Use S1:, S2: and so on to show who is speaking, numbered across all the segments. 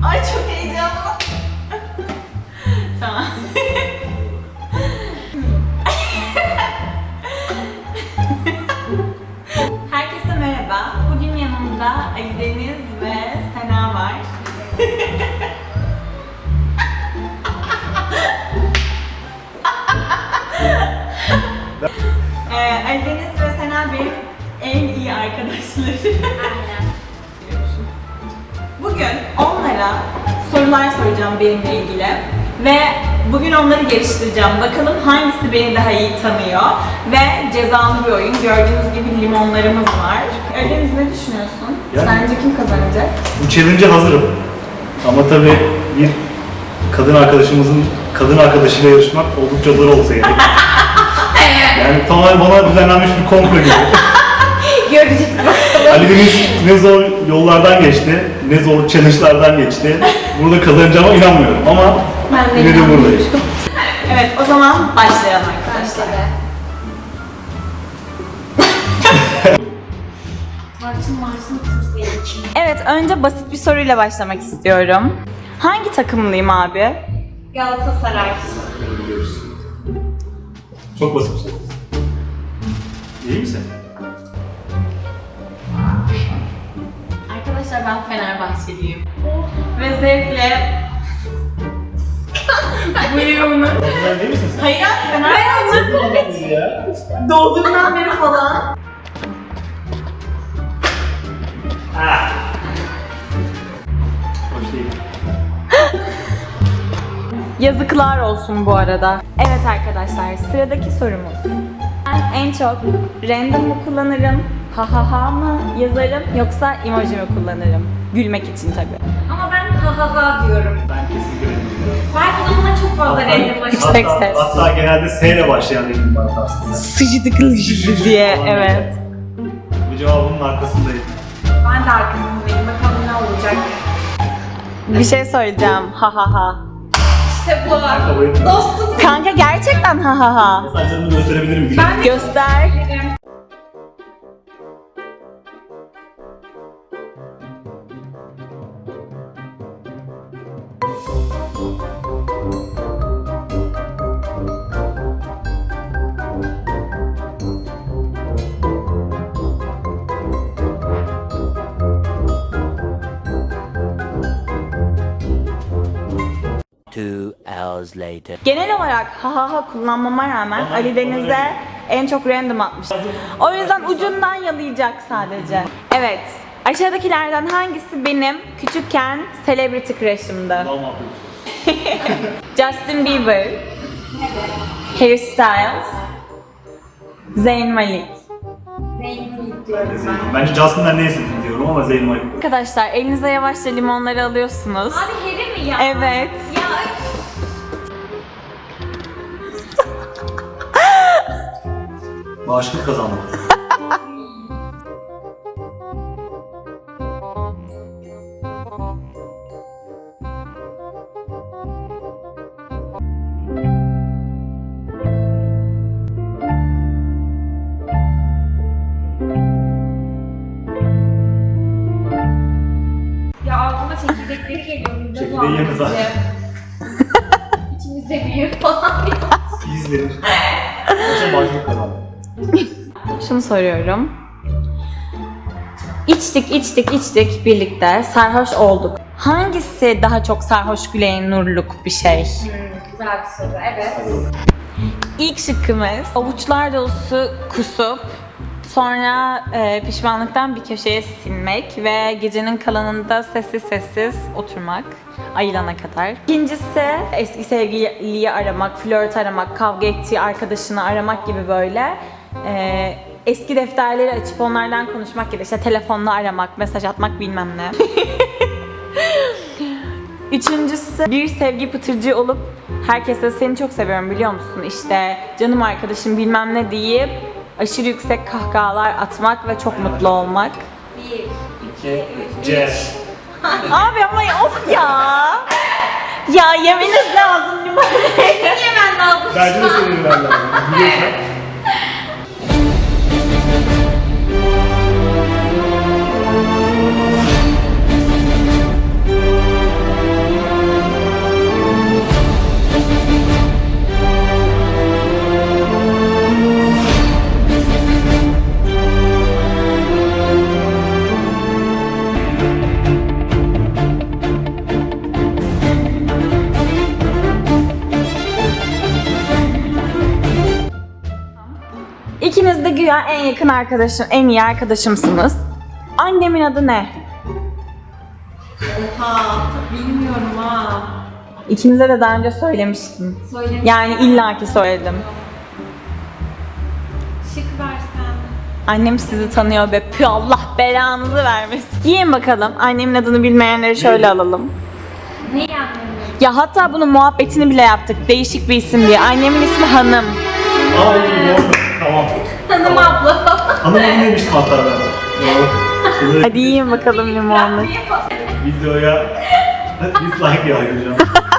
S1: Ay çok heyecanlı. Tamam. Herkese merhaba. Bugün yanımda Ali Deniz ve Sena var. Ali Deniz ve Sena benim en iyi arkadaşlarım.
S2: Aynen.
S1: Bugün onlara sorular soracağım benimle ilgili ve bugün onları geliştireceğim. Bakalım hangisi beni daha iyi tanıyor ve cezalı bir oyun. Gördüğünüz gibi limonlarımız var. Ali Deniz ne düşünüyorsun?
S3: Yani-
S1: Sence kim kazanacak?
S3: Bu challenge'a hazırım. Ama tabii bir kadın arkadaşımızın kadın arkadaşıyla yarışmak oldukça zor olsa gerek. Yani tamamen bana düzenlenmiş bir komplo gibi.
S1: Göreceğiz bakalım.
S3: Ali Deniz ne zor yollardan geçti, ne zor challenge'lardan geçti. Burada kazanacağıma inanmıyorum ama
S1: Ben de
S3: yine de buradayım.
S1: Evet, o zaman başlayalım arkadaşlar.
S2: Başladı.
S1: Evet, önce basit bir soruyla başlamak istiyorum. Hangi takımlıyım abi?
S2: Galatasaray.
S3: Biliyoruz. Çok basit bir soru. İyi misin?
S1: Arkadaşlar ben Fenerbahçeliyim. Ve zevkle bu yorumunu...
S3: Güzel değil misin sen?
S1: Hayır abi Fenerbahçe
S3: Ya.
S1: doğduğumdan beri falan.
S3: Ah. Hoş değil.
S1: Yazıklar olsun bu arada. Evet arkadaşlar, sıradaki sorumuz. Ben en çok random mı kullanırım, ha ha ha mı yazarım yoksa emoji mi kullanırım? Gülmek için tabii.
S2: Ama ben ha ha ha diyorum.
S3: Ben kesinlikle bilmiyorum.
S2: Belki de buna çok fazla randomlaşıyor.
S1: Yüksek ses.
S3: Hatta genelde S ile başlayan resim var aslında.
S1: Sıcıdıklı diye, evet.
S3: Bu cevabının arkasındayım.
S2: Ben de arkasındayım. Bakalım ne olacak.
S1: Bir şey söyleyeceğim, ha ha ha.
S2: İşte bu.
S3: Kabul etmiyorum.
S2: Dostum
S1: Kanka gerçekten ha ha ha.
S3: Saçlarımı gösterebilirim. Gülüm.
S2: Ben de
S1: Göster.
S2: bilirim.
S4: Two hours later.
S1: Genel olarak ha ha ha kullanmama rağmen Ali Deniz'e en çok random atmış. O yüzden ucundan yalayacak sadece. Evet. Aşağıdakilerden hangisi benim küçükken celebrity crush'ımdı?
S3: Allah'ım affedersin.
S1: Justin Bieber, Harry Styles, Zayn Malik.
S2: Zeynep'i diyorum ben.
S3: Bence Justin'den ne istedin diyorum ama Zeyn Malik.
S1: Arkadaşlar elinize yavaşça limonları alıyorsunuz.
S2: Abi Harry mi ya?
S1: Evet.
S2: Ya
S3: Bağışıklık kazandım.
S2: ya aklıma çekirdekleri geliyor. Burada
S3: Çekirdeği yedi zaten.
S2: İçimizde büyür falan.
S3: İzlenir. Kaça bağışıklık kazandım.
S1: Şunu soruyorum. İçtik birlikte, sarhoş olduk. Hangisi daha çok sarhoş güleğin nurluk bir şey?
S2: Güzel bir soru. Evet.
S1: İlk şıkkımız avuçlar dolusu kusup sonra pişmanlıktan bir köşeye silmek ve gecenin kalanında sessiz sessiz oturmak ayılana kadar. İkincisi eski sevgiliyi aramak, flört aramak, kavga ettiği arkadaşını aramak gibi böyle eski defterleri açıp onlardan konuşmak gibi, işte telefonla aramak, mesaj atmak bilmem ne. Üçüncüsü bir sevgi pıtırcı olup herkese seni çok seviyorum biliyor musun, işte canım arkadaşım bilmem ne deyip aşırı yüksek kahkahalar atmak ve çok mutlu olmak.
S2: 1, 2, 3.
S3: C.
S1: Abi ama of ya. Ya yemeniz lazım limon.
S2: Yemen lazım.
S3: Bence de senin lazım. Biliyorsun.
S1: güya en yakın arkadaşım, en iyi arkadaşımsınız. Annemin adı ne?
S2: Oha. Bilmiyorum ha.
S1: İkinize de daha önce söylemiştim.
S2: Söyle.
S1: Yani illaki söyledim.
S2: Şık versen.
S1: Annem sizi tanıyor be. Pü, Allah belanızı vermesin. Yiyin bakalım. Annemin adını bilmeyenleri şöyle alalım.
S2: Ne yani?
S1: Ya hatta bunun muhabbetini bile yaptık. Değişik bir isim diye. Annemin ismi Hanım.
S3: Aa doğru. Tamam.
S2: Hanım abla falan.
S3: Hanım onu demiştim hatta ben. Doğru.
S1: Hadi yiyin bakalım limonlu.
S3: Videoya dislike yağdıracağım.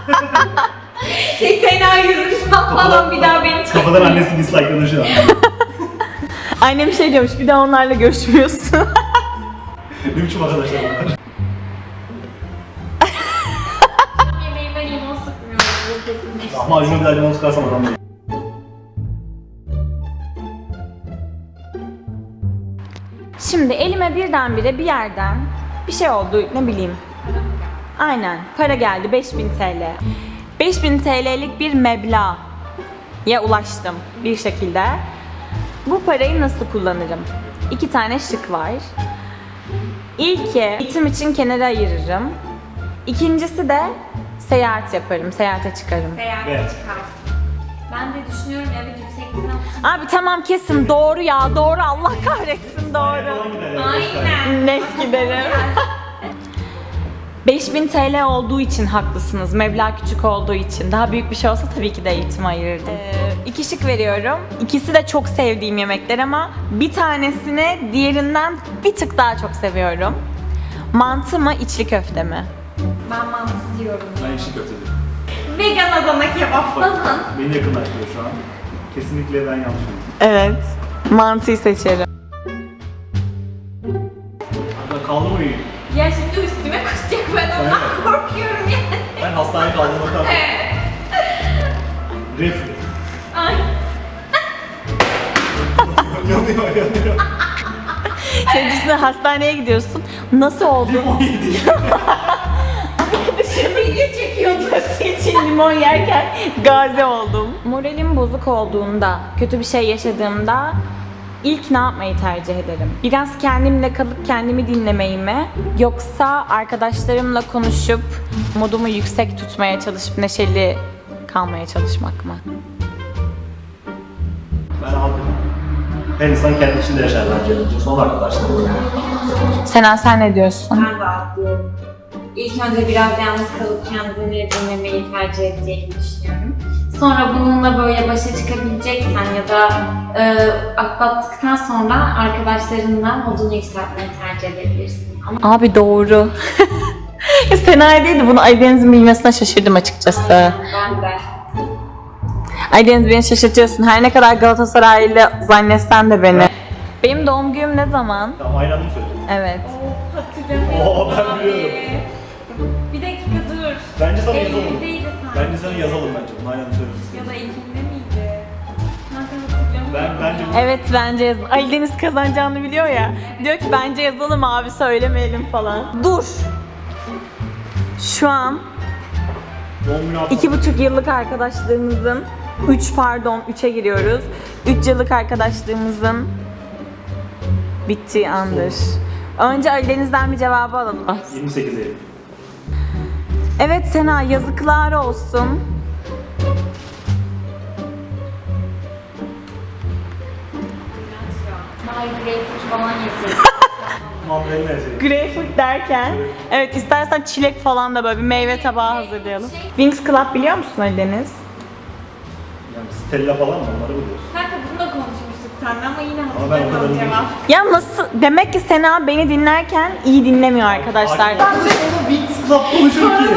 S2: Sena yüzüşten falan bir daha beni çek.
S3: Kafadan annesi dislike'ladı şu an.
S1: Annem şey diyormuş, bir daha onlarla görüşmüyorsun.
S3: Ne biçim arkadaşlar bunlar?
S2: Yemeğime limon sıkmıyorum. Bu kesinleşti.
S3: Ama acına bir daha limon sıkarsam adam değil.
S1: Şimdi elime birdenbire bir yerden bir şey oldu, ne bileyim. Aynen, para geldi 5000 TL. 5000 TL'lik bir meblağa ulaştım bir şekilde. Bu parayı nasıl kullanırım? 2 tane şık var. İlki eğitim için kenara ayırırım. İkincisi de seyahat yaparım, seyahate çıkarım.
S2: Seyahat
S3: Evet.
S2: çıkarsın. Ben de düşünüyorum evet yüksek lisans.
S1: Abi tamam kesin doğru ya, doğru, Allah kahretsin doğru.
S2: Aynen.
S1: Net giderim. 5000 TL olduğu için haklısınız. Meblağ küçük olduğu için. Daha büyük bir şey olsa tabii ki de eğitime ayırırdım. 2 şık veriyorum. İkisi de çok sevdiğim yemekler ama bir tanesini diğerinden bir tık daha çok seviyorum. Mantı mı, içli köfte mi?
S2: Ben mantı diyorum.
S3: Ben işi kötüydüm.
S2: Vegan Adana kebap
S3: Bak,
S2: falan.
S3: beni yakınlaştırıyor şu an. Kesinlikle ben yanlışım.
S1: Evet. Mantıyı seçerim.
S3: Hatta kaldı mı iyi?
S2: Ya şimdi üstüme kusacak ben ondan
S3: Evet.
S2: korkuyorum yani.
S3: Ben hastaneye kaldığımda kaldım. Reflü.
S2: Ay.
S3: Yanıyor.
S1: Şey düşünsene, hastaneye gidiyorsun. Nasıl oldu?
S3: Limon yedi.
S2: Video çekiyordum.
S1: için limon yerken gazi oldum. Moralim bozuk olduğunda, kötü bir şey yaşadığımda ilk ne yapmayı tercih ederim? Biraz kendimle kalıp kendimi dinlemeyi mi? Yoksa arkadaşlarımla konuşup modumu yüksek tutmaya çalışıp neşeli kalmaya çalışmak mı?
S3: Ben aldım. Her insan kendi içinde yaşar bence önce. Son arkadaşlar.
S1: Sena sen ne diyorsun?
S2: Ben de atlıyorum. İlk önce biraz yalnız kalıp kendini dinlemeyi tercih edeceğini düşünüyorum. Sonra bununla böyle başa çıkabileceksen ya da atlattıktan sonra arkadaşlarınla modunu yükseltmeyi tercih edebilirsin. Ama
S1: Abi doğru. Sena değildi, bunu Aydeniz'in bilmesine şaşırdım açıkçası.
S2: ben de.
S1: Aydeniz beni şaşırtıyorsun. Her ne kadar Galatasaraylı zannetsen de beni. Benim doğum günüm ne zaman?
S3: Tamam aynı anda mı söyleyeceğiz?
S1: Evet.
S2: Hatırlamıyorum.
S3: Oo, ben biliyorum.
S2: Bir dakika dur.
S3: Bence sana yazalım.
S2: Eylül'deydi sanki.
S3: Bence sana yazalım bence. Bunu aynı anda söyleriz.
S2: Ya da Ekim'de miydi? Kanka hatırlamıyorum.
S3: Bence
S1: Evet bence yazalım. Ali Deniz kazanacağını biliyor ya. Diyor ki bence yazalım abi, söylemeyelim falan. Dur. Şu an
S3: doğum günü hafta.
S1: 2,5 yıllık arkadaşlığımızın 3'e giriyoruz. 3 yıllık arkadaşlığımızın bittiği andır. Önce Ali Deniz'den bir cevabı alalım.
S3: 28 Eylül.
S1: Evet Sena, yazıklar olsun.
S2: Bari greyfurt falan yeseydim.
S3: Mandalina yazayım.
S1: Greyfurt derken, evet istersen çilek falan da böyle bir meyve tabağı hazırlayalım. Wings Club biliyor musun Ali Deniz?
S3: Yani Stella falan mı? Onları biliyorsun.
S2: Kanka bunu da konuşmuştuk seninle ama yine
S3: Ama ben o
S2: hatırlamıyorum
S3: kadarını
S2: cevap.
S1: Ya nasıl? Demek ki Sena beni dinlerken iyi dinlemiyor arkadaşlar.
S3: Ben de onu Wings Club konuşur ki.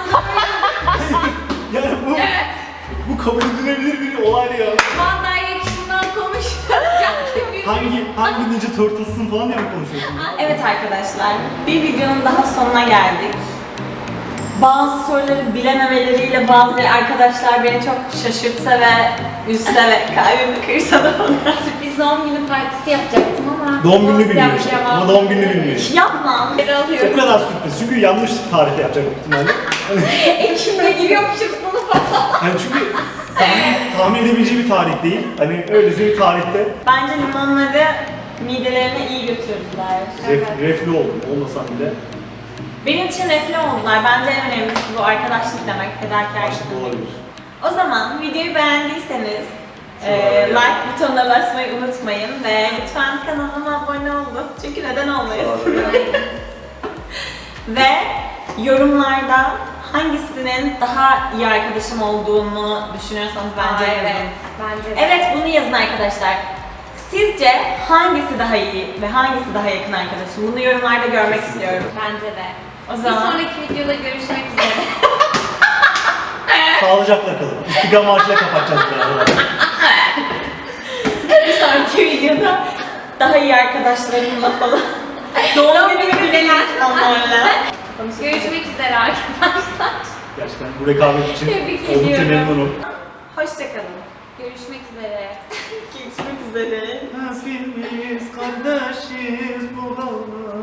S3: Yani bu kabul edilebilir bir olay ya.
S2: One Direction'dan konuşacağım.
S3: Hangi Ninja Turtles'ın falan diye mi konuşuyorsun?
S1: Evet arkadaşlar, bir videonun daha sonuna geldik. Bazı soruları bilememeleriyle bazı arkadaşlar beni çok şaşırtsa ve üzse ve kalbimi kırsa da bana.
S2: Sürpriz doğum günü partisi yapacaktım ama...
S3: Doğum gününü bilmiyor.
S2: Yapacağım.
S3: Ama doğum gününü bilmiyor.
S1: Yapmam.
S2: Geri
S3: O
S2: alıyorum.
S3: kadar sürpriz. Çünkü yanlış tarihte yapacak büyük ihtimalle.
S2: Ekim'de giriyormuşum sınıfa.
S3: Hani çünkü tahmin edebileceği bir tarih değil. Hani öylesi bir tarihte
S1: Bence limonları midelerine iyi götürdüler.
S3: reflü oldum. Olmasam bile
S1: Benim için refle oldular. Bence en önemlisi bu arkadaşlık demek, fedakarlık
S3: aşık
S1: demek.
S3: olabilir.
S1: O zaman videoyu beğendiyseniz
S3: Şuraya
S1: like butonuna basmayı unutmayın ve lütfen kanalıma abone olun. Çünkü neden olmayız? Ve yorumlarda hangisinin daha iyi arkadaşım olduğunu düşünüyorsanız bence yazın.
S2: Evet, bence de.
S1: Evet, bunu yazın arkadaşlar. Sizce hangisi daha iyi ve hangisi daha yakın arkadaşım? Bunu yorumlarda görmek istiyorum.
S2: Bence de.
S1: O
S2: Bir
S1: zaman
S2: sonraki videoda görüşmek üzere.
S3: Sağlıcakla kalın. İstiklal Marşı'yla kapatacağız biraz.
S1: bir sonraki videoda daha iyi arkadaşlarımla falan. Doğum günü bilen insanlarla.
S2: Görüşmek üzere arkadaşlar.
S3: Gerçekten bu rekabet için
S2: Tebrik
S3: oldukça
S2: ediyorum.
S3: memnunum.
S1: Hoşçakalın.
S2: Görüşmek üzere.
S1: Görüşmek üzere.
S3: Hepimiz kardeşiz bu dalda.